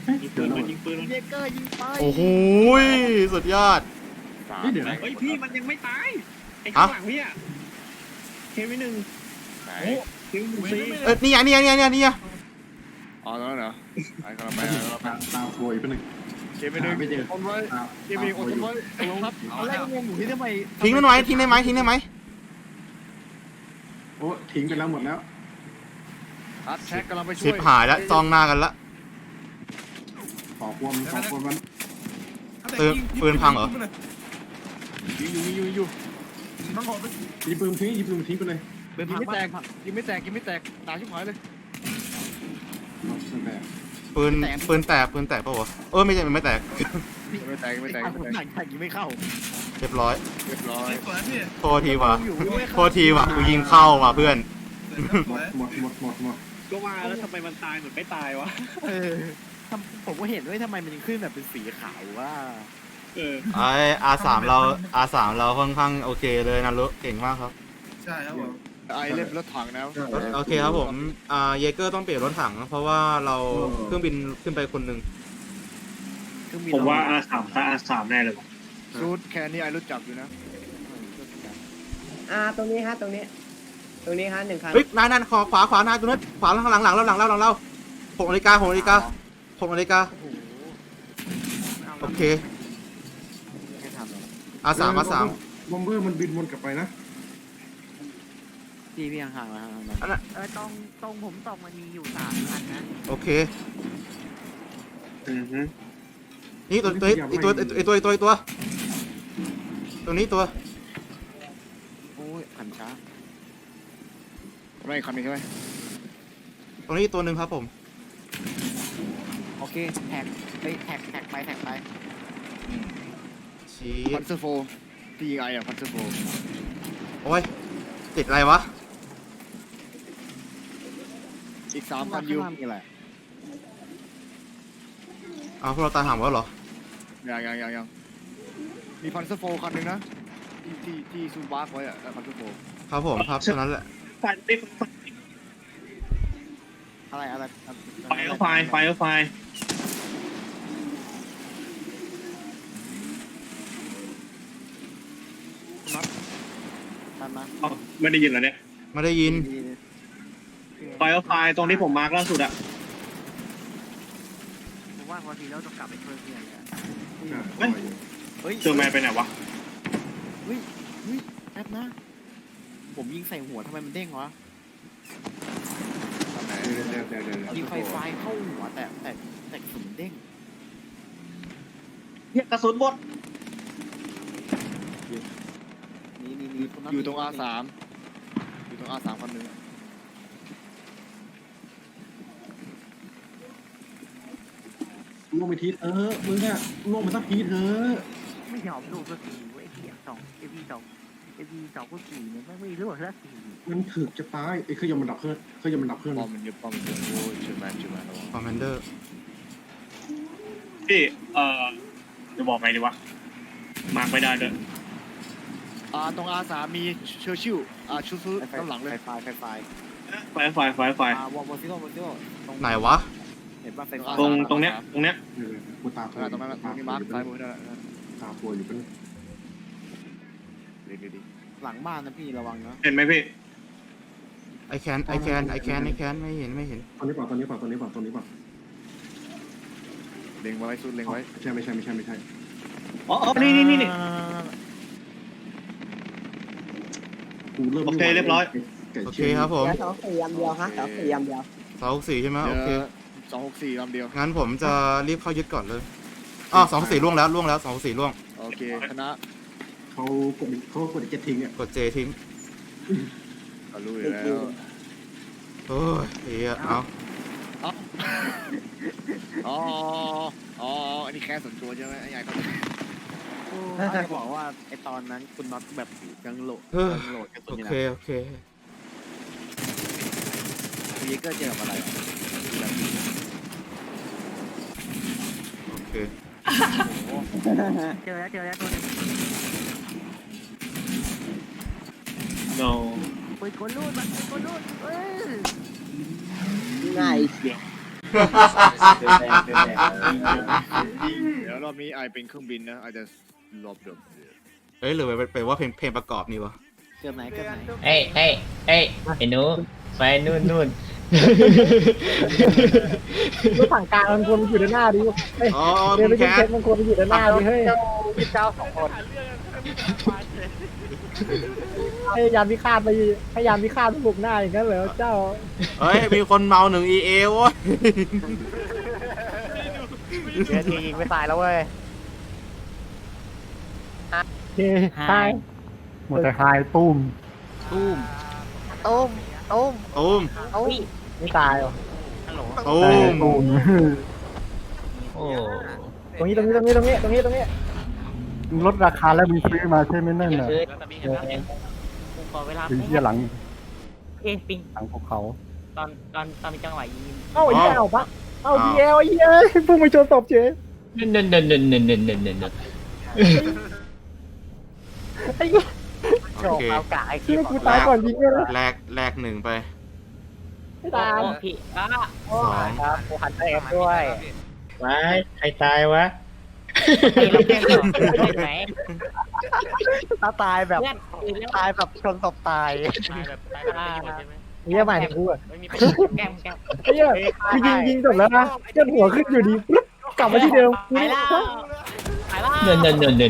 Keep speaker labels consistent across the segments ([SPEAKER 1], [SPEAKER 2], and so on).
[SPEAKER 1] ยิงปืนมันยิงปืนมัน
[SPEAKER 2] เยเกอร์ยิงไป
[SPEAKER 3] โอ้โหสุดยอด
[SPEAKER 4] เดี๋ยวนะ
[SPEAKER 1] เฮ้ยพี่มันยังไม่ตายไอ้ข้างหลังพี่อะเควินหนึ่ง
[SPEAKER 5] ไหน
[SPEAKER 1] โอ้เควินหนึ่งซี
[SPEAKER 3] นี่ไงนี่ไงนี่ไงนี่ไง
[SPEAKER 5] อ๋อแล้วเหรอไอ้กำลังไป
[SPEAKER 4] ตาโวยไปหนึ่ง
[SPEAKER 5] เกมไปหนึ่ง
[SPEAKER 4] ไม่เจอ
[SPEAKER 5] คนไว้เกมไปหนึ่งคนไว้ลงครับ
[SPEAKER 2] ตอนแรกงงอยู่ที่ทำไม
[SPEAKER 3] ทิ้งได้ไหมทิ้งได้ไหมทิ้งได้ไหม
[SPEAKER 4] โอ้ทิ้งไปแล้วหมดแล้ว
[SPEAKER 5] อัดแท็กกำลังไปช่
[SPEAKER 3] ชิ
[SPEAKER 5] ว
[SPEAKER 3] บ
[SPEAKER 5] ย
[SPEAKER 3] หายแล้วจ้องหน้ากันละ
[SPEAKER 4] ขอความมัน
[SPEAKER 3] ปืนพังเหรอ
[SPEAKER 5] ยิงอยู่
[SPEAKER 4] ยิงปืนทิ้งไปเลย
[SPEAKER 2] เป็น
[SPEAKER 5] ยิ
[SPEAKER 2] พั
[SPEAKER 5] ง
[SPEAKER 2] ง
[SPEAKER 5] ไม่แต
[SPEAKER 2] แต
[SPEAKER 5] ก
[SPEAKER 2] ก
[SPEAKER 5] ยิงไม่แตกตายชิบหายเลย
[SPEAKER 4] แต่
[SPEAKER 3] ปืนแตกปะวะไม่ใช่มันไม่แตก
[SPEAKER 5] ไม่แตก
[SPEAKER 2] ผมหนังแข่งยิงไม่เข้า
[SPEAKER 3] เรียบร้อย
[SPEAKER 5] เรียบร้อย
[SPEAKER 3] โทษทีว่ะ
[SPEAKER 2] อยู่ไม่
[SPEAKER 3] โท
[SPEAKER 2] เข้า
[SPEAKER 3] ษทีว่ะกูยิงเข้าว่ะเพื่อน
[SPEAKER 4] หมด
[SPEAKER 1] ก็ว่าแล้วทำไมมันตายเหมือนไม่ตายวะ
[SPEAKER 2] ผมก็เห็นด้วยทำไมมันขึ้นแบบเป็นสีขาวว่า
[SPEAKER 1] เออ
[SPEAKER 3] ไอR3เราค่อนข้างโอเคเลยนะลุเก่งมากครับ
[SPEAKER 6] ใช่ครับผม
[SPEAKER 5] ไอเล่นรถถังนะ
[SPEAKER 3] โอเคครับผมเยเกอร์ต้องเปลี่ยนรถถังเพราะว่าเราเครื่องบินขึ้นไปคนหนึ่ง
[SPEAKER 1] ผมว่าR3แน่เลยว่ะ
[SPEAKER 5] ซูดแค่นี้ไอรู้จักอยู่นะ
[SPEAKER 7] ตรงนี้ฮะตรงนี้ฮะ1 คัน
[SPEAKER 3] เฮ้ยนั่นขวาหน้าตรงนั้นขวาหลังเรา6 นาฬิกาโอเค
[SPEAKER 2] ไม่ทำเลย
[SPEAKER 3] R3
[SPEAKER 4] บอมเบอร์มันบินวนกลับไปนะ
[SPEAKER 2] พี่ห่างๆแล้ว
[SPEAKER 3] อันนั้น
[SPEAKER 8] ตรงผมตกมันมีอยู่3 คันนะ
[SPEAKER 3] โอเค
[SPEAKER 1] อือฮึ
[SPEAKER 3] นี่ตัวตัวนี้ตัว
[SPEAKER 2] โอ้ยหันช้า
[SPEAKER 5] ไม่คันนี้ใช่ไหม
[SPEAKER 3] ตรงนี้ตัวหนึ่งครับผม
[SPEAKER 2] โอเคแท็กไป
[SPEAKER 3] ชี้
[SPEAKER 5] พันเซอร์โฟที่ยิงไออะพันเซอร์โฟ
[SPEAKER 3] โอ้ยติดอะไรวะ
[SPEAKER 5] อีก3 คันอยู่
[SPEAKER 2] นี่แหละ
[SPEAKER 3] อ้าวพวกเราตายห่างแล้วเหรอ
[SPEAKER 5] ยังมีพันเซอร์โฟคันหนึ่งนะที่ซูบาร์ไว้อะพันเซอร์โฟ
[SPEAKER 3] ครับผมครับเท่านั้นแหละ
[SPEAKER 1] ฟันได้
[SPEAKER 2] อะไร
[SPEAKER 1] ไฟเอาไฟ
[SPEAKER 2] ตามมา
[SPEAKER 1] เอาไม่ได้ยินเหรอเนี่ย
[SPEAKER 3] ไม่ได้ยิน
[SPEAKER 1] ไฟเอาไฟตรงที่ผมมาร์กล่าสุดอะ
[SPEAKER 8] ผมว่าพอทีเราต้องกลับไปช่วยเพื่อนเลย
[SPEAKER 2] เฮ้ย
[SPEAKER 1] เจอแมนไปไหนวะ
[SPEAKER 2] แป๊บนะผมยิงใส่หัวทำไมมันเด้งวะ
[SPEAKER 5] ทำไหน
[SPEAKER 2] ยิงไฟเข้าหัวแต่กระสุนมันเด้ง
[SPEAKER 1] เนี่ยกระสุนหมด
[SPEAKER 2] นี่
[SPEAKER 5] อยู่ตรง R3 อยู่ตรง R3 คันหนึ่ง
[SPEAKER 4] ล่วงไปทีมึงเนี่ยล่วงมาสักทีเถอะ
[SPEAKER 8] ไม่ยอมลูกสักทีเว้ยFV2 ก็ขี่เนี่ยไม่รู้สักที
[SPEAKER 4] มันถึกจะตายไอ้เครื่องยนต์มันดับเครื่อง
[SPEAKER 5] ป้อมมันเยอะโอ้ยเชื่อแมนระวัง
[SPEAKER 3] คอมมานเดอร์
[SPEAKER 1] พี่จะบอกไงดีวะมาร์กไม่ได้ด้วย
[SPEAKER 5] ตรง R3 มีเชอร์ชิลชุดด้านหลังเลย
[SPEAKER 2] ไฟ
[SPEAKER 1] ไฟ
[SPEAKER 2] วอลซิโล
[SPEAKER 3] ไหนวะ
[SPEAKER 2] เห็นว่าไฟ
[SPEAKER 1] ตรงเนี้ย
[SPEAKER 4] กูตา
[SPEAKER 5] ตรงนั้นมีมาร์คซ้ายมือนั่นแหละ
[SPEAKER 4] ตาป่วยอยู่เป็น
[SPEAKER 5] ดี
[SPEAKER 2] หลังบ้านนะพี่ระวังนะ
[SPEAKER 1] เห็นไหมพี่
[SPEAKER 3] ไอแคนไม่เห็น
[SPEAKER 4] ตอนนี้ป่ะ
[SPEAKER 5] เล็งไว้สุดเล็งไว้
[SPEAKER 4] ไม่ใช่
[SPEAKER 1] อ๋อนี่
[SPEAKER 4] กูเริ่ม
[SPEAKER 1] โอเคเรียบร้อย
[SPEAKER 3] โอเคครับผม
[SPEAKER 7] แล้ว2 4 ลำเดียวฮะ2 4 ลำเดียว
[SPEAKER 3] 264ใช่ไหมโอเค
[SPEAKER 5] 264ลำเดียว
[SPEAKER 3] งั้นผมจะรีบเข้ายึดก่อนเลย264ล่วงแล้ว264ล่วง
[SPEAKER 5] โอเคคณะ
[SPEAKER 4] เขากดเจ็ตทิ้งอ่ะ
[SPEAKER 3] กดเจทิ้ง
[SPEAKER 5] ก็รู้อยู่แล้ว
[SPEAKER 3] โอ้ยเอา
[SPEAKER 5] อันนี้แค่ส่วนตัวใช่ไหมไอ้ใหญ่ก็
[SPEAKER 2] จะบอกว่าไอตอนนั้นคุณน็อตแบบยังโหลดกระสุ
[SPEAKER 3] โอน
[SPEAKER 2] อยู่
[SPEAKER 3] เค
[SPEAKER 2] นะ
[SPEAKER 3] โอเค
[SPEAKER 2] เยเกอร์เจอกับอะไร
[SPEAKER 3] โอเค
[SPEAKER 8] เจอแล้วตัวนึง
[SPEAKER 1] no
[SPEAKER 8] ปืนกลรูด
[SPEAKER 7] ง่ายเสีย
[SPEAKER 5] มีไอเป็นเครื่องบินนะอาจจะรอบเดิม
[SPEAKER 3] เอ้ยหรือไปว่าเพลงประกอบนี่วะ
[SPEAKER 2] เกือบไหนเกือบไหน
[SPEAKER 6] เอ้ยไอ้หนูไปนู่น
[SPEAKER 9] รถถังกลางมันควรอยู่ด้านหน้าดิเฮ้ย
[SPEAKER 3] อ๋อ
[SPEAKER 9] เดี๋ยว
[SPEAKER 3] คุ
[SPEAKER 9] ไป
[SPEAKER 3] ณแค
[SPEAKER 9] ยิงเช็
[SPEAKER 3] ท
[SPEAKER 9] คมันควรไปอยู่ด้านหน้าดิเฮ้ย
[SPEAKER 8] เจ้า2 คน
[SPEAKER 9] พยายามพิฆาตไปพยายามพิฆาตบุกหน้าอย่างนั้นเหรอเจ้า
[SPEAKER 3] เฮ้ยมีคนเมา1 EA โว้ย
[SPEAKER 8] เดี๋ยวทียิงไม่ตายแล้วเว้ย
[SPEAKER 9] เฮ้ยตาย
[SPEAKER 4] หมดแต่ไฮตุ้ม
[SPEAKER 2] ตุ้ม
[SPEAKER 8] ตุ้ม
[SPEAKER 3] ตูม
[SPEAKER 9] ไม่ตายหรอ
[SPEAKER 3] ตูม
[SPEAKER 4] ตุ้ม
[SPEAKER 6] โอ้
[SPEAKER 9] ตรงนี้
[SPEAKER 4] ลดราคาแล้วมึงซื้อมาใช่ไหมนั่นน่ะ
[SPEAKER 6] คือ
[SPEAKER 8] ขอเวลา
[SPEAKER 4] เป็นที่หลัง
[SPEAKER 8] ปิง
[SPEAKER 4] หลังภูเขา
[SPEAKER 8] ตอนมีจังหวะยิง
[SPEAKER 9] เอ้าไอ้เหี้ยเอาปะเอ้าดีเอลไอ้เหี้ยพุ่งไปชนศพเฉย
[SPEAKER 6] นั่น
[SPEAKER 9] ไอ้เหี้ย
[SPEAKER 3] โอเค
[SPEAKER 8] เอากะไอ้
[SPEAKER 9] คิดว่ากูตายก่อนยิงเลยนะ
[SPEAKER 3] แลก1ไป
[SPEAKER 9] ไม่ตาย
[SPEAKER 8] พี่
[SPEAKER 3] สอง
[SPEAKER 8] ครับกูหันไปเอฟด้วย
[SPEAKER 6] ว้ายใครตายวะ
[SPEAKER 8] เราแกล้งเหรอไหน
[SPEAKER 9] ถ้าตายแบบ
[SPEAKER 8] เพื่อน
[SPEAKER 9] ตายแบบชนศพตาย
[SPEAKER 8] ตายแบบใช่ไหม
[SPEAKER 9] เหี้ยหมายถึงกูอะ
[SPEAKER 8] ไม่มีแกล้ง
[SPEAKER 9] ไอ้เหี้ยกูยิงจบแล้วนะเจ้าหัวขึ้นอยู่ดีปุ๊บกลับมาที่เดิม
[SPEAKER 8] ไปแล้วไปแล้ว
[SPEAKER 6] เนิน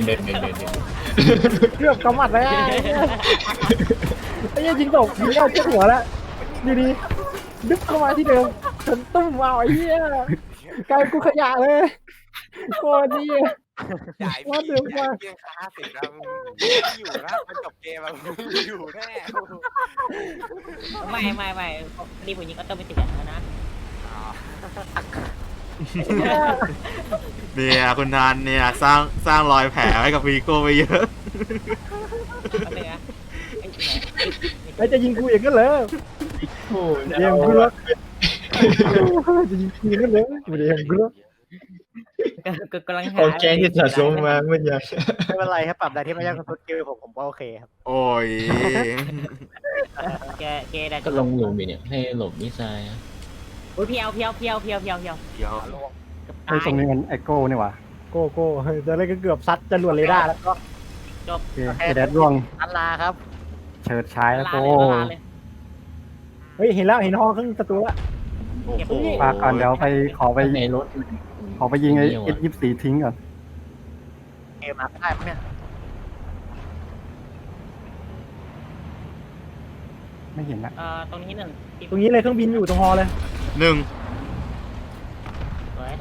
[SPEAKER 9] เกือบกำมัดแล้วไอ้เหี้ยยิงจบยิงเอาเจ้าหัวแล้วดีๆดึ๊บเข้ามาที่เดิมชนตุ้มเอาไอ้เหี้ยกลายเป็นกูขยะเลยโคตรดีว่าเดิมว่า
[SPEAKER 7] อยู่นะมันจบเกมแล้วอยู่แน่
[SPEAKER 8] ไม่นี่ผมยิงก็ต้องไปติดอย่างนั้นนะ
[SPEAKER 3] เนี่ยคุณนันเนี่ยสร้างรอยแผลให้กับวีโก้ไปเยอะ
[SPEAKER 8] อะไรนะ
[SPEAKER 9] ไอ้จะยิงกูอย่างนั้นเหรอ
[SPEAKER 6] โอ้
[SPEAKER 9] เดี๋ยวกูละจะยิงกูอย่างนั้นเหรอเดี๋ยวกูละ
[SPEAKER 8] กำลังหา
[SPEAKER 6] โอเคที่สะสมมาเมื่อกี้
[SPEAKER 9] ไม่เป็นไรครับปรับได้ที่ไม่ยากกับสกิลผมก็โอเคครับ
[SPEAKER 3] โอ้ย
[SPEAKER 8] แกได้
[SPEAKER 6] ก็ลงหลุมอยู่เนี่ยให้หลบนิสัย
[SPEAKER 8] โอ้ยเพียว
[SPEAKER 3] เดี๋ยว
[SPEAKER 4] ไอ้ตรงนี้มันไอโก้นี่หว่า
[SPEAKER 9] โก้ตอนแรกก็เกือบซัดจรวดเรดาร์แล้วก็
[SPEAKER 8] จบ
[SPEAKER 4] โอเคไอแดดร่วง
[SPEAKER 8] อันลาครับ
[SPEAKER 4] เฉิดฉายแล้วโก้
[SPEAKER 8] เลย
[SPEAKER 9] เฮ้ยเห็นแล้วเห็นห้องครึ่งประตูแล้ว
[SPEAKER 3] โอ้โห
[SPEAKER 4] ฝากก่อนเดี๋ยวไปขอไป
[SPEAKER 6] ในรถ
[SPEAKER 4] ยิงไอ้S24ทิ้งก่อน
[SPEAKER 8] เกมมาได้มั้งเนี่ย
[SPEAKER 4] ไม่เห็นละ
[SPEAKER 8] ตรงนี้หนึ่ง
[SPEAKER 9] ตรงนี้เลยเครื่องบินอยู่ตรงฮอเลย
[SPEAKER 3] 1
[SPEAKER 8] สวย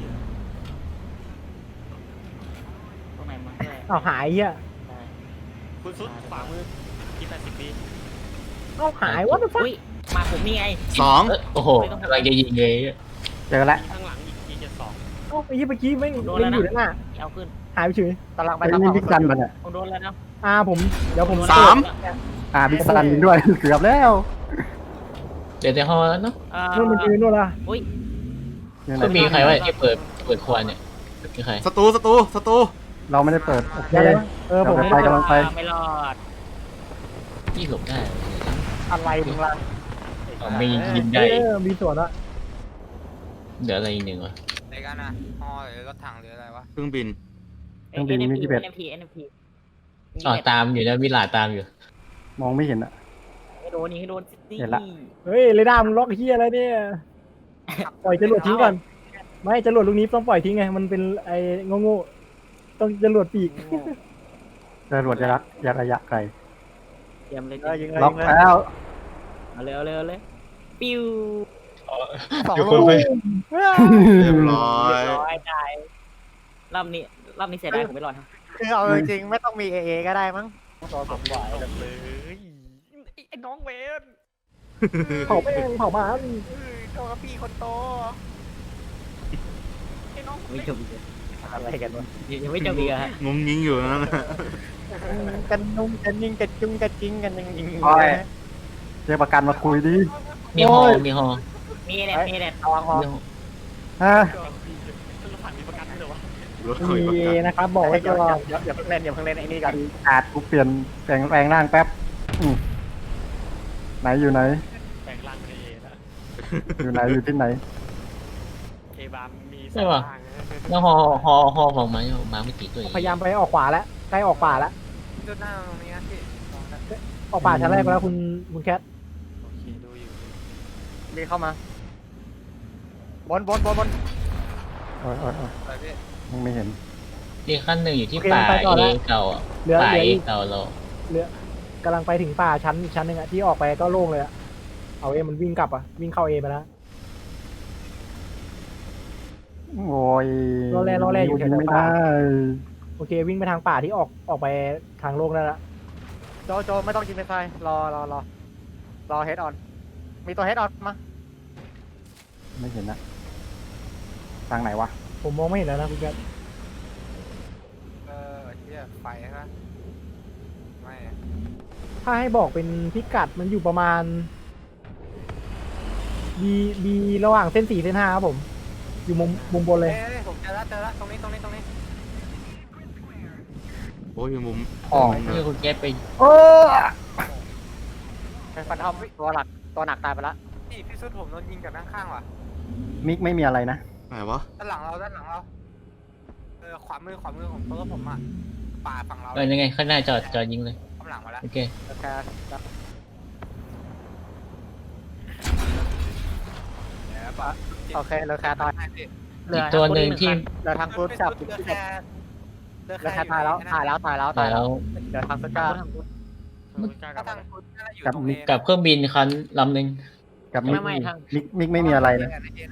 [SPEAKER 8] ตรงไหนมาเลย
[SPEAKER 9] อ้าวหายเหี้ย
[SPEAKER 1] คุณซุดขวามือที่80 ปี
[SPEAKER 9] อ้าวหายว่าจะฟัง
[SPEAKER 8] อุ้ยมาผมนี่ไง
[SPEAKER 3] 2
[SPEAKER 6] โอ้โหกำลังจะยิงเลย
[SPEAKER 4] เจอแล้ว
[SPEAKER 1] ข้างหลังอีก72
[SPEAKER 9] อ้าวไอ้เหี้ยเมื่อกี้ไม่อยู่ด้านหน้า
[SPEAKER 8] เอาขึ้น
[SPEAKER 9] หายไปเฉย
[SPEAKER 8] กำลังไป
[SPEAKER 4] ไอ้นี่บิ๊กซันมันอ่ะ
[SPEAKER 8] ผมโดนแล้วนะ
[SPEAKER 9] ผมเดี๋ยวผม
[SPEAKER 4] บิ๊กซันยิงด้วย เกือบแล้ว
[SPEAKER 6] เดี๋ยวในห้องแล้วเนาะ
[SPEAKER 9] นู่นมันยืนนู่นละ
[SPEAKER 8] อุ้ย
[SPEAKER 4] ยังไง
[SPEAKER 6] ก็มีใครวะที่เปิดควันเนี่ยมีใคร
[SPEAKER 3] ศัตรู
[SPEAKER 4] เราไม่ได้เปิดโอเค
[SPEAKER 9] เดี๋ยวผม
[SPEAKER 4] ไปกำลังไป
[SPEAKER 8] ไม่รอด
[SPEAKER 6] ยี่หลบได้
[SPEAKER 9] อะไรมึงล่ะ
[SPEAKER 6] ไม่ยิงได้
[SPEAKER 9] มีส่วนละ
[SPEAKER 6] เดี๋ยวอะไรอีกหนึ่งวะ
[SPEAKER 7] ในการนะฮอหรือรถถังหรืออะไรวะ
[SPEAKER 3] เครื่องบิน
[SPEAKER 8] NFP
[SPEAKER 6] อ๋อตามอยู่นะมิลาตามอยู่
[SPEAKER 4] มองไม่เห็นอ่ะ
[SPEAKER 8] ให้โดนนี่ให้โดน
[SPEAKER 4] เห็นละ
[SPEAKER 9] เฮ้ยเรดาร์มึงล็อกเหี้ยอะไรเนี่ยปล่อยจรวดทิ้งก่อนไม่จรวดลูกนี้ต้องปล่อยทิ้งไงมันเป็นไอ้โง่ๆต้องจรวดปีก
[SPEAKER 4] จรวดยักษ์ระยะไกล
[SPEAKER 8] เตรียมเลย
[SPEAKER 9] ยิง
[SPEAKER 4] ล็อกแล้ว
[SPEAKER 8] เอาเร็วเลยปิ้ว
[SPEAKER 6] อยู่คนไป
[SPEAKER 3] เรียบร้อย
[SPEAKER 8] ร้อยได้รอบนี้เสียดายผมไม่รอดครับ
[SPEAKER 9] คือเอาจริงๆไม่ต้องมีเอก็ได้มั้ง
[SPEAKER 1] เลยไอ้น้องเวน
[SPEAKER 9] เผาแม่งเผาหมา
[SPEAKER 1] โทษครับพี่คนโตไอ้น้อง
[SPEAKER 8] ไม่จบอีก
[SPEAKER 9] อะไรกันวะ
[SPEAKER 8] ยังไม่จบอีกฮะ
[SPEAKER 3] งงยิงอยู่นั่นนะ
[SPEAKER 9] กันนุ่งกันยิงกันจุ้งกันจิ้งกันยิง
[SPEAKER 4] โอ้ยเรียกประกันมาคุยดิ
[SPEAKER 6] มีฮอ
[SPEAKER 8] มีแหละ
[SPEAKER 9] ระวังฮอ
[SPEAKER 4] ฮะ
[SPEAKER 1] รถถังมีประกันด้วยเหรอวะ
[SPEAKER 3] รถเคยประ
[SPEAKER 9] มี
[SPEAKER 3] กัน
[SPEAKER 9] นะครับบอกไว้ก่อน
[SPEAKER 8] อย่าเพิ่งเล่นไอ้นี่ก่อน
[SPEAKER 4] อาจกูเปลี่ยนแปลงร่างแป๊บไหนอยู่ไหน
[SPEAKER 1] แปลงร่างเป็นเอนะ
[SPEAKER 4] อยู่ไหนอยู่ที่ไหน
[SPEAKER 1] เอ
[SPEAKER 7] บามมี
[SPEAKER 6] ใช่ป่ะแล้วฮอของมาไม่กี่ตัว
[SPEAKER 9] พยายามไปออกขวาแล้วใกล้ออกป่าแล้ว
[SPEAKER 7] จุดหน้าตรงนี้นะพี่
[SPEAKER 9] ออกป่าชั้นแรกไปแล้วคุณแคท
[SPEAKER 7] โอเคดูอยู่
[SPEAKER 2] มีเข้ามาบน
[SPEAKER 9] โอ้ย
[SPEAKER 7] ไปพี่
[SPEAKER 9] ไม่เห็น
[SPEAKER 6] อีกขั้นหนึ่งอยู่ที่ป่าเอเก่าอ่ะ
[SPEAKER 9] เหลือ
[SPEAKER 6] ป่า
[SPEAKER 9] เหลือ
[SPEAKER 6] เอ
[SPEAKER 9] อีก
[SPEAKER 6] เก่าเรา
[SPEAKER 9] กำลังไปถึงป่าชั้นอีกชั้นหนึ่งอะที่ออกไปก็โล่งเลยอะเอาเอมันวิ่งกลับอะวิ่งเข้าเอไปแล้ว
[SPEAKER 10] โอ้ย
[SPEAKER 9] รอแร่อยู่แถว
[SPEAKER 10] ไม่
[SPEAKER 9] ป่า
[SPEAKER 10] ได้
[SPEAKER 9] โอเควิ่งไปทางป่าที่ออกไปทางโล่งได้ละ
[SPEAKER 2] โจไม่ต้องกินไปไฟรอเฮดออนมีตัวเฮดออนมา
[SPEAKER 10] ไม่เห็นนะทางไหนวะ
[SPEAKER 9] ผมมองไม่เห็นแล้วนะคุณแคท
[SPEAKER 7] เที่ยไฟใช่ไหมไม่
[SPEAKER 9] ถ้าให้บอกเป็นพิกัดมันอยู่ประมาณบีระหว่างเส้น4เส้น5ครับผม อยู่มุมบนเลย
[SPEAKER 7] ผมเจอแล้วตรงนี้
[SPEAKER 3] โอ้ยมุม
[SPEAKER 10] อ่อง
[SPEAKER 6] เพื่อคุณแก๊ปไป
[SPEAKER 10] เออ
[SPEAKER 2] เป็นฟันทอมตัวหนักตายไปละ
[SPEAKER 7] พี่สุดผมโดนยิงจากด้านข้างว่ะ
[SPEAKER 10] มิกไม่มีอะไรนะ
[SPEAKER 3] ไหนวะ
[SPEAKER 7] ด้านหลังเราขวามือของตัวผมอ่ะป่าฝั่งเรา
[SPEAKER 6] ยังไงข้างหน้าจอดยิงเลย
[SPEAKER 7] กำลังมาแล้ว
[SPEAKER 6] โอเค
[SPEAKER 2] โอเคเหลือแค่ตาย
[SPEAKER 6] อีกตัวหนึ่งที่
[SPEAKER 2] เหลือทางฟุตกับเหลือแค่ตายแล้วเหลือทางฟุตกับ
[SPEAKER 7] ก็ทางคุณน่าจะอยู่
[SPEAKER 10] กับ
[SPEAKER 7] ตรง
[SPEAKER 10] มิ
[SPEAKER 7] นี้
[SPEAKER 10] ก
[SPEAKER 6] กับเครื่องบินคันลำหนึ่ง
[SPEAKER 10] กับมิก
[SPEAKER 8] ไม่ทาง
[SPEAKER 10] มิกไม่มีอะไรนะ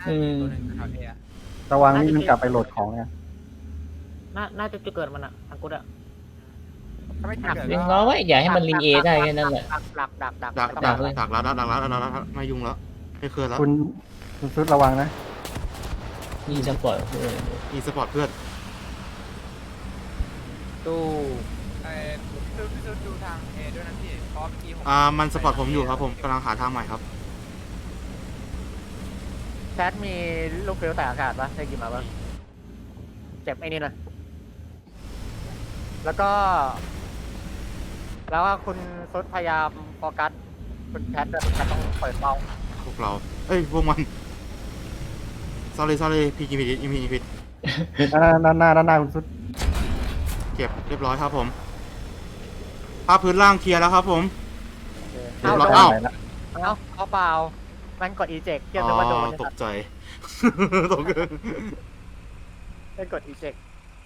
[SPEAKER 10] ระวังนี่มันกลับไปโหลดของไง
[SPEAKER 8] น่าจะจุดเกิดมันอะทางกุดอะ
[SPEAKER 7] ถ้าไม่
[SPEAKER 6] เลี้ยงล้อไว้อย่าให้มันลิงเอได้แค่นั้นแหละ
[SPEAKER 2] ดัก
[SPEAKER 3] ดักแล้วไม่ยุ่งแล้วไม่เคลื่อนแล้ว
[SPEAKER 10] คุณซุดระวังนะ
[SPEAKER 6] มีสปอร์ตเพื่อน
[SPEAKER 3] อีสปอร์ตเพื่อน
[SPEAKER 2] ตู้
[SPEAKER 7] พี่สุดดูทางเอด้วยนะพี่เพราะเมื่อกี้ผม
[SPEAKER 3] มันสปอร์ตผมอยู่ครับผมกำลังหาทางใหม่ครับ
[SPEAKER 2] แชทมีลูกฟิวแต่อากาศปะได้กินมาปะเจ็บไอ้นี่หน่อยแล้วก็คุณซุดพยายามโฟกัสคุณแพทต้องเปิดเบา
[SPEAKER 3] พวกเราพวกมัน sorry พี่กินผิด
[SPEAKER 10] ด้านหน้าคุณซุด
[SPEAKER 3] เก็บเรียบร้อยครับผมภาพพื้นล่างเคลียร์แล้วครับผมเรียบร้อย
[SPEAKER 10] เอาละ
[SPEAKER 2] เอาเปล่ามันกด eject เกี่ยว
[SPEAKER 3] อ๋
[SPEAKER 2] กับว่าโดน
[SPEAKER 3] อตกใจตกใจ
[SPEAKER 2] เป็นกด eject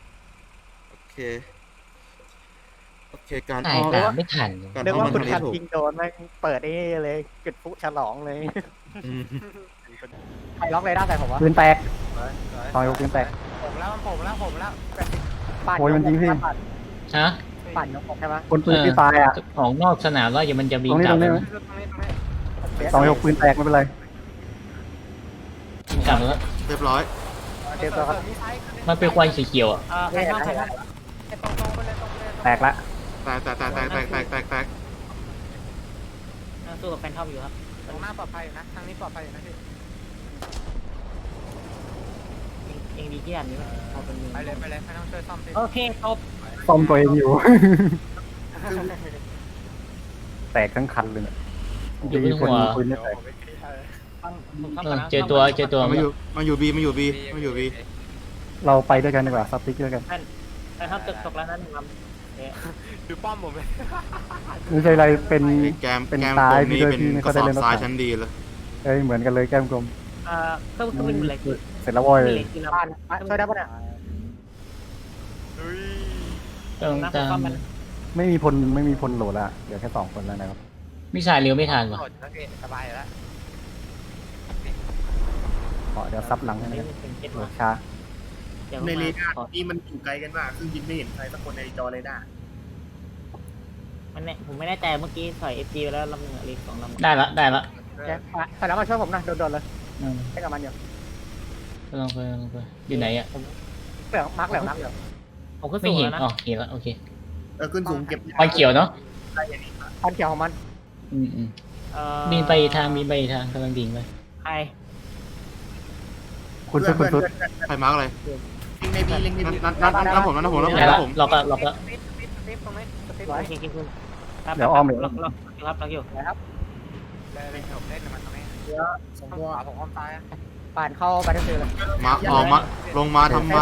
[SPEAKER 3] โอเคการ
[SPEAKER 6] ถ่ายตามไม่ทัน
[SPEAKER 3] การ
[SPEAKER 2] นึก
[SPEAKER 3] เข้า
[SPEAKER 2] ว่า
[SPEAKER 3] มัน
[SPEAKER 2] คุณ
[SPEAKER 3] ทาง
[SPEAKER 2] ทัน
[SPEAKER 3] นี้ถูก
[SPEAKER 2] ยิงโดนแม่งเปิดนี่เลยจุดฟุฉลองเลย
[SPEAKER 3] อืม
[SPEAKER 2] ใครล็อกเลยได้ใส่ผมวะ
[SPEAKER 10] ปืนแตกต่อยปืนแตก
[SPEAKER 7] ผมแล้ว
[SPEAKER 2] ปั่น
[SPEAKER 10] โอ้ยมันยิงพี่
[SPEAKER 6] ฮะ
[SPEAKER 2] ปั่นยกผมใช่ไหม
[SPEAKER 10] คนปืนที่ตายอ่ะ
[SPEAKER 6] ของนอกสนามแล้วอย่ามันจะบิน
[SPEAKER 10] ตรงนี้
[SPEAKER 6] กลับ
[SPEAKER 10] ตรงนี้ ต่อยปืนแตกไม่เป็นไร
[SPEAKER 6] บินกลับแล้ว
[SPEAKER 3] เรียบร้อย
[SPEAKER 2] เตรียมตัวครับ
[SPEAKER 6] มันเป็นควันสีเขียวอ่ะ
[SPEAKER 8] ใครเข้า
[SPEAKER 10] แตกละ
[SPEAKER 3] แตก
[SPEAKER 8] สู้กับแฟนทอมอยู่ครับ
[SPEAKER 7] ตรงหน้าปลอดภัยนะทางนี้ปลอดภัยนะพี่
[SPEAKER 8] เองดีที่อันนี้เอาเป็น
[SPEAKER 7] ไปเลยไม่ต้องช่วยซ่อมพี่
[SPEAKER 8] โอเคจบ
[SPEAKER 10] ซ่อมตัวเองอยู่ แตกทั้งคันเลยเนี่ย
[SPEAKER 6] อยู่บนหัว
[SPEAKER 10] ปืนไม่แตก
[SPEAKER 6] เจอตัว
[SPEAKER 3] มาอยู่บี
[SPEAKER 10] เราไปด้วยกันดีกว่าซับติ๊กด้วยกัน
[SPEAKER 8] แฟนทอมตกแล้วนั่นลำ
[SPEAKER 7] ดูป้อมผมเลย
[SPEAKER 10] ไม่ใช่อะไรเป็น
[SPEAKER 3] แกม
[SPEAKER 10] เป็น
[SPEAKER 3] แกม
[SPEAKER 10] ตาย
[SPEAKER 3] ผมนี่
[SPEAKER 10] พี่
[SPEAKER 3] เป็น
[SPEAKER 10] พี่ไม่
[SPEAKER 3] ก
[SPEAKER 10] ค่อ
[SPEAKER 3] ระ
[SPEAKER 10] ย
[SPEAKER 3] ส
[SPEAKER 10] ได้
[SPEAKER 3] อบ
[SPEAKER 10] เล่นรถ
[SPEAKER 3] ทราย
[SPEAKER 10] ถัง
[SPEAKER 3] ชั้นดีเลย
[SPEAKER 10] เอ้ยเหมือนกันเลยแก้มกลม
[SPEAKER 8] เครื่องบินเหล็ก
[SPEAKER 10] เสร็จแล้วโว้ย
[SPEAKER 8] มีเหล็กที่ลำ
[SPEAKER 2] บ้านช่วยได้ปะเนี่ย
[SPEAKER 6] ต้อง
[SPEAKER 8] นะ
[SPEAKER 6] ตาม
[SPEAKER 8] มัน
[SPEAKER 10] ไม่มีพลโหลดละเดี๋ยวแค่2 คนแล้วนะครับ
[SPEAKER 6] มิสไซล์เร็วไม่ทันว่ะ
[SPEAKER 7] สบายแล้ว
[SPEAKER 10] ขอเดี๋ยวซับหลังให้นะครับ
[SPEAKER 8] เป็นเจ็ด
[SPEAKER 10] โหล
[SPEAKER 8] มา
[SPEAKER 10] ดช้า
[SPEAKER 8] ในเรดาร์
[SPEAKER 1] นี่มันอยู่ไกลกันมากซึ่งยิงไม่เห็นใครสักคนในจอเรดาร์
[SPEAKER 8] มันเนี่ยผมไม่แน่ใจเมื่อกี้ถอยเอฟจีไปแล้วลำหนึ่งลีก2 ลำ
[SPEAKER 6] ได้ละ
[SPEAKER 2] ใส่แล้วมาช่วยผมนะโดนเลย
[SPEAKER 6] อืม
[SPEAKER 2] ให้กับมันอยู่
[SPEAKER 6] ลองไปอยู่ไหนอ่ะ
[SPEAKER 2] เหลืองมาร์กเหลือง
[SPEAKER 8] ผมก็
[SPEAKER 6] ไม่
[SPEAKER 8] สูง
[SPEAKER 6] เห็น
[SPEAKER 8] แล้วนะ
[SPEAKER 6] อ๋อเห็นแล้วโอเค
[SPEAKER 1] ขึ้นสูงเก็บ
[SPEAKER 6] ควันเขียวเนาะ
[SPEAKER 2] พันเขียวของมัน
[SPEAKER 6] บินไปอีกทางกำลังดิ่งไป
[SPEAKER 8] ใคร
[SPEAKER 10] คุณซุด
[SPEAKER 3] ใครมาร์กอะไร
[SPEAKER 1] ลิงในบีลิงในบี
[SPEAKER 3] นั่นผม
[SPEAKER 6] ได้ละล็อกละ
[SPEAKER 2] ตรงนี้
[SPEAKER 8] โอเคคุณ
[SPEAKER 10] เดี๋ยวอ้อมเดี๋ยว
[SPEAKER 8] ล็อกอยู่
[SPEAKER 2] นะครับ
[SPEAKER 7] เลยผมเล่นมันตรงนี้
[SPEAKER 2] 2 ตัว
[SPEAKER 7] ผมอ้อมซ้าย
[SPEAKER 2] พ
[SPEAKER 8] ผ่านเข้าบัตเตอร์ฟิลด์เลย
[SPEAKER 3] มาออกมาลงมาทำไม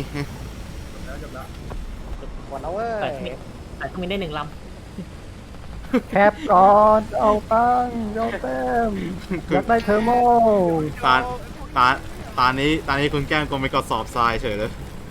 [SPEAKER 8] หมดแล้วเว้ยแต่ก็มีได้1 ลำ
[SPEAKER 9] แคปก่อนเอาตั้งเอาเต็มอยากได้เทอร์โม
[SPEAKER 3] ตาตานี้คุณแก้มกลมไปกระสอบทรายเฉยเลย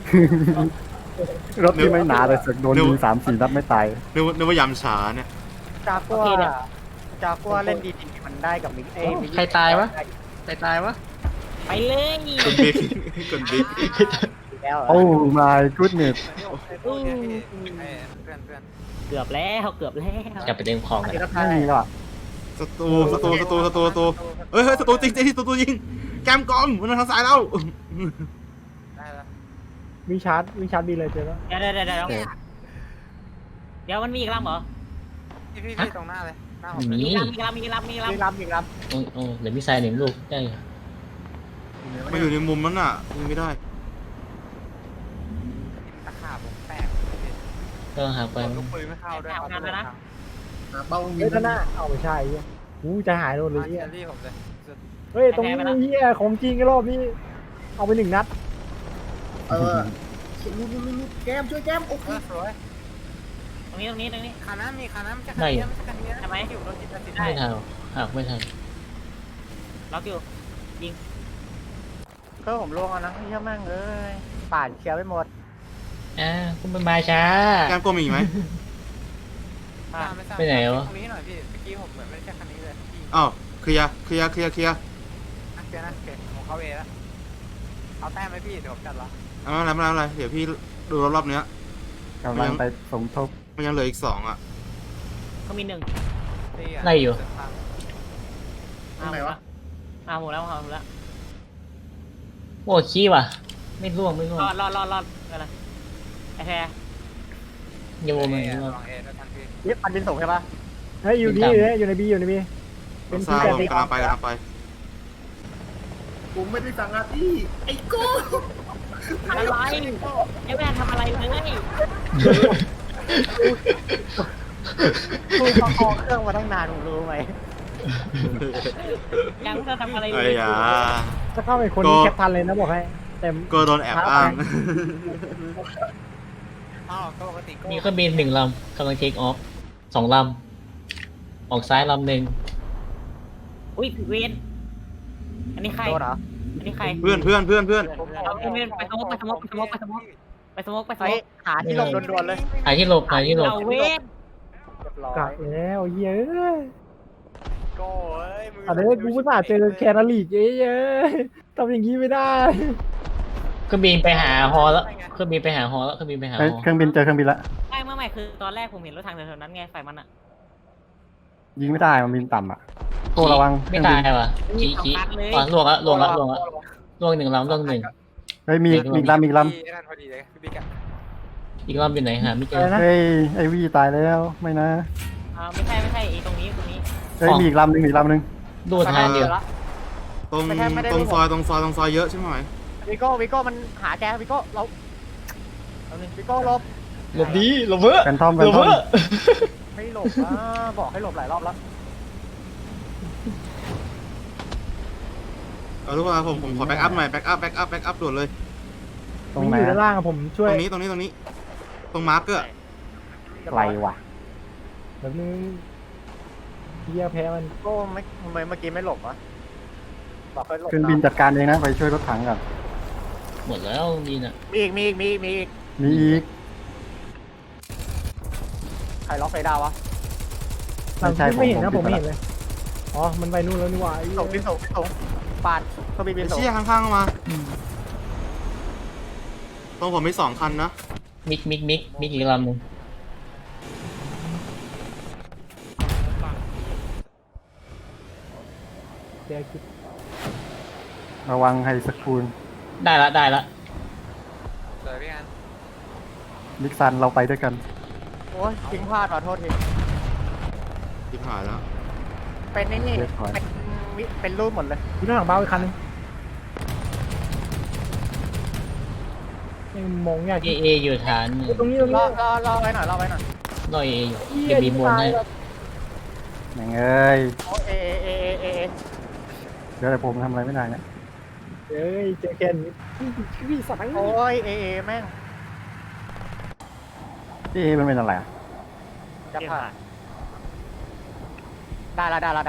[SPEAKER 10] รถที่ไม่หนาเลยสึกโดนยิง3-4 นัดไม่ตาย
[SPEAKER 3] นึกว่ายำฉาเนี่ย
[SPEAKER 8] จากกัวเล่นดีๆมันได้กับมิกเอ้ย
[SPEAKER 6] ใครตายวะใครตายวะ
[SPEAKER 8] ไปเลย
[SPEAKER 3] คุณบิ๊กคุณบิ๊ก
[SPEAKER 8] แล้ว
[SPEAKER 10] โอ้ my goodness
[SPEAKER 7] เพื่อน
[SPEAKER 8] เกือบแล้วเกือบแล้ว
[SPEAKER 6] จะไปเต็มคลองกัน
[SPEAKER 10] ไม่มีแล้วอะ
[SPEAKER 3] ศัตรูเฮ้ยศัตรูจริงศัตรูยิงแก้มกลมมันทางซ้ายเรา
[SPEAKER 7] ได้แล้ว
[SPEAKER 9] วิชาร์จดีเลยเจ๊แล้ว
[SPEAKER 8] เดี๋ยวมันมีอีกลำเหรอ
[SPEAKER 7] พี่ตรงหน้าเลยหน้าผม
[SPEAKER 6] มี
[SPEAKER 8] มีลำ
[SPEAKER 6] โอ้เดี๋ยวมีทราย1 ลูกได้อยู่
[SPEAKER 3] มาอยู่ในมุมนั้นน่ะยิงไม่ได้
[SPEAKER 7] ตะขาบผมแตก
[SPEAKER 6] ก็หาไป
[SPEAKER 7] ลูกปืนไม่เข้าด้วย
[SPEAKER 4] เบ้า
[SPEAKER 9] เฮ้ยนั่นน่ะเอาไม่ใช่เหี้ยจะหายโดนเลย
[SPEAKER 7] เฮี
[SPEAKER 9] เหี้
[SPEAKER 7] ย
[SPEAKER 9] ย
[SPEAKER 7] รี่ผมเลย
[SPEAKER 9] เฮ้ยตรงนี้เหี้ยของจริงรอบนี้เอาไป1 นัด
[SPEAKER 4] แก้มช่วยแก้มโอ้โห
[SPEAKER 7] สวย
[SPEAKER 8] ตรงนี้
[SPEAKER 7] ขาน้ำมีขาน้ำจะขานี้จะขานี้
[SPEAKER 8] ทำไม
[SPEAKER 7] อยู่รถจิตติด
[SPEAKER 6] ไม่ทันหากไม่ทัน
[SPEAKER 8] ล็อกอยู่
[SPEAKER 2] ก็ผมลงแล้วนะเฮียแม่งเอ้ยป่านเคลียร์ไปหมด
[SPEAKER 6] คุณเป็นมาช้า
[SPEAKER 3] แก้มกลมมีอีกไหม
[SPEAKER 6] ไปไหนวะ
[SPEAKER 7] ตรงนี้หน่อยพี่เมื่อกี้ผมเหมือนไม่ได้ใช่คันนี้เลย
[SPEAKER 3] อ้าวเคลียร์
[SPEAKER 7] เดี๋ยวนะโอเคผมเข้าเอแล้วเอาแต้มไหมพี่เดี๋ยวผมจัดละ
[SPEAKER 3] ไม่เป็นไรเดี๋ยวพี่ดูรอบเนี้ย
[SPEAKER 10] กำลังไปสมทบ
[SPEAKER 3] มันยังเหลืออีก2อ่ะ
[SPEAKER 8] เขามี1
[SPEAKER 6] ไล่อยู่
[SPEAKER 8] หมดแล้วหมดแล้ว
[SPEAKER 6] โอ้ขี้ว่ะไม่ร่วง
[SPEAKER 8] รอดอะไรไอ้แท้
[SPEAKER 6] โยมัน
[SPEAKER 7] ลองเอแล้วกันพี่
[SPEAKER 2] นี่ปันบินส่งใช่ปะ
[SPEAKER 9] เฮ้ยอยู่ในบีเป็น
[SPEAKER 3] ซ้าย
[SPEAKER 9] แบบ
[SPEAKER 3] ผมกำลังไป
[SPEAKER 4] ผมไม่ได้สั่งอาที่ไอ้โก้
[SPEAKER 8] อะไรไอ้แม่ทำอะไรเลย
[SPEAKER 2] คุยประคองเครื่องมาตั้งนานผมรู้ไหม
[SPEAKER 8] ยังไม่ทำอะไรเล
[SPEAKER 3] ไอ้
[SPEAKER 8] ย
[SPEAKER 3] ยา
[SPEAKER 9] ถ้าเข้าไปคนนี้แคปทันเลยนะบอกให้เต็ม
[SPEAKER 3] ก็โดนแอบอ้าง
[SPEAKER 7] อ้าวก็ปกติก็
[SPEAKER 6] มีเครื่องบิน1 ลำกำลังเทคออฟ2 ลำออกซ้ายลำหนึ่ง
[SPEAKER 8] อุ้ยเวนอันนี้ใคร
[SPEAKER 2] โดนเหรอ
[SPEAKER 8] อันนี้ใคร
[SPEAKER 3] เพื่อน
[SPEAKER 8] เอาเวนไปสมก
[SPEAKER 2] หาที่หลบด่วนๆเลย
[SPEAKER 6] หาที่หลบ
[SPEAKER 8] เอาเวน
[SPEAKER 2] เรียบร้อย
[SPEAKER 9] กักแล้วเย้ย
[SPEAKER 7] โก้เอ้ยมือ
[SPEAKER 9] อันนี้กูไม่น่าเจอแคนาลีกเย้ยทำอย่างนี้ไม่ได้
[SPEAKER 6] เครื่องบินไปหาฮอแล้วเครื่องบินไปหาฮอ
[SPEAKER 10] เฮ้ยเครื่องบินเจอเครื่องบินละ
[SPEAKER 8] ไม่คือตอนแรกผมเห็นรถทางแถวๆนั้นไงฝ่ายมันอ่ะ
[SPEAKER 10] ยิงไม่ได้มันบินต่ำอ่ะโก้ระวังเค
[SPEAKER 6] ไม่
[SPEAKER 10] รื่องบิ
[SPEAKER 6] ตาน ยว่ะขี้ล่วง1 ลำ1
[SPEAKER 10] เฮ้ยมีอีกลำ
[SPEAKER 7] นั่นพอดีเลยพี่บิ๊กอะ
[SPEAKER 6] อีกลำอยู่ไหนหาไม่เจ
[SPEAKER 9] อะไร
[SPEAKER 6] อ
[SPEAKER 9] นะ
[SPEAKER 10] เฮ้ยไอวี่ตายแล้วไม่นะ
[SPEAKER 8] ไม่ใช่ไอ้ตรงนี้
[SPEAKER 10] เฮ้ยมีอีกลำหนึ่ง
[SPEAKER 6] ดูทางเดียว
[SPEAKER 3] ตรงซอยเยอะใช่ไหม
[SPEAKER 2] วิโก้มันหาแกวิโก้เราวิโก้หลบ
[SPEAKER 6] หลบดีหลบเพ้อ
[SPEAKER 10] แฟนทอม
[SPEAKER 2] ไม่หลบบอกให้หลบหลายรอบแล้ว
[SPEAKER 3] ทุกคนผมขอแบ็กอัพหน่อยแบ็กอัพด่วนเลย
[SPEAKER 10] ตรง
[SPEAKER 9] มี
[SPEAKER 10] ไหน
[SPEAKER 9] อยู่ด้านล่างอะผมช่วย
[SPEAKER 3] ตรงนี้ตรงมาร์กเกอร์
[SPEAKER 10] ไกลว่ะ
[SPEAKER 9] แบบนึงเหี้ยแพ้มัน
[SPEAKER 2] โก้ไม่เมื่อกี้ไม่หลบวะบอกให้หลบ
[SPEAKER 10] เครื่องบินจัดการเองนะไปช่วยรถถังก่อน
[SPEAKER 6] หมดแล้วดีน่ะ
[SPEAKER 2] มีอีก
[SPEAKER 10] มีอีก
[SPEAKER 2] ใครล็อกไฟดาววะ
[SPEAKER 9] ไม่เห็นนะผมไม่เห็นเลยอ๋อมันไปนู่นแล้วนี่หว่า
[SPEAKER 2] ส่งปาดเขาบิน
[SPEAKER 3] ไอ้
[SPEAKER 2] ส่ง
[SPEAKER 3] เชี่ยข้างๆมาตรงผมมี2 คันนะ
[SPEAKER 6] มิกอีกลำหนึ่ง
[SPEAKER 9] เดี๋ยวคิด
[SPEAKER 10] ระวังไฮสคูล
[SPEAKER 6] ได้ละ
[SPEAKER 7] เลยพี่งั้น
[SPEAKER 10] นิกซันเราไปด้วยกัน
[SPEAKER 2] โอ้ยทิ้งพลาดขอโทษที
[SPEAKER 3] ทิพหายแล้ว
[SPEAKER 2] เป็นนี่เป็นรูปหมดเลย
[SPEAKER 9] มีรถถังเบาอีกคันนึงยังมองยาก
[SPEAKER 6] เออยู่ฐาน
[SPEAKER 9] ตรงนี้
[SPEAKER 2] รอไว้หน่อยรออยู่
[SPEAKER 6] รอเออยู่เก็บบีบนให้
[SPEAKER 10] อย่างเอ้ย
[SPEAKER 2] โอ้เอ
[SPEAKER 10] เดี๋ยวแต่ผมทำอะไรไม่ได้เนี่ย
[SPEAKER 9] เฮ้ยเจอแกนพี่สาย
[SPEAKER 7] โอ้ยเอแม่ง
[SPEAKER 10] พี่มันเป็นอะไรอ่ะ
[SPEAKER 7] จะผ่านได้แล้ว
[SPEAKER 6] นั่น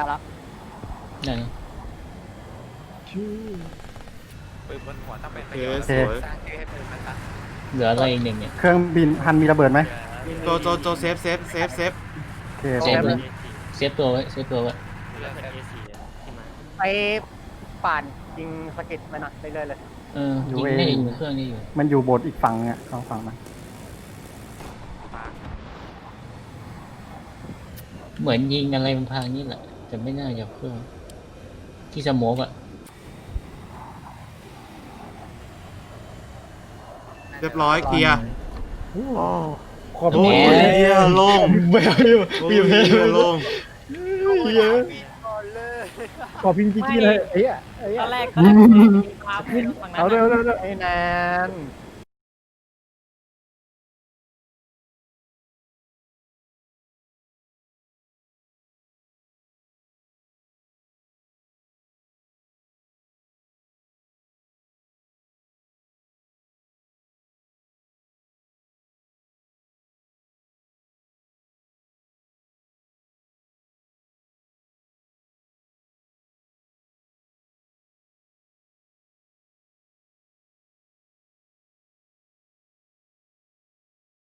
[SPEAKER 7] ปืนบนหัวต้องเป็น
[SPEAKER 3] โอ
[SPEAKER 7] ประ
[SPEAKER 3] เค
[SPEAKER 7] โยชน์
[SPEAKER 3] สวย
[SPEAKER 7] สร้างชื่อให้ปืนมันซะ
[SPEAKER 6] เหลืออะไรอีกหนึ่งเนี่ย
[SPEAKER 10] เครื่องบินฮันมีระเบิดไหม
[SPEAKER 3] โจเซฟ
[SPEAKER 10] โอเค
[SPEAKER 6] เซฟเลยเซฟตัวไว้เซฟตัวไว้
[SPEAKER 7] ไปป่านยิงสกิดมันนะเรื่อยๆเลย
[SPEAKER 6] ยิงไม่อยู่เครื่องนี้อยู่
[SPEAKER 10] มันอยู่โบสถ์อีกฝั่งอ่ะสองฝั่งมัน
[SPEAKER 6] เหมือนยิงอะไรมันพังนี่แหละแต่ไม่น่าจะเครื่องที่สโมกอะ
[SPEAKER 3] เรียบร้อยเคลียร์
[SPEAKER 9] ขอบ
[SPEAKER 3] โอ้
[SPEAKER 9] คุณ
[SPEAKER 3] ยเฮียโล่ง
[SPEAKER 6] ไม่เอาอยู่
[SPEAKER 3] โอ้ยเฮียโล่ง
[SPEAKER 9] ขอพิมพ์จีเลยไอ้เหี้ย
[SPEAKER 8] ตอนแรกมีความฝั่งนั้น
[SPEAKER 9] เอาเร็ว
[SPEAKER 7] ไอ้แนน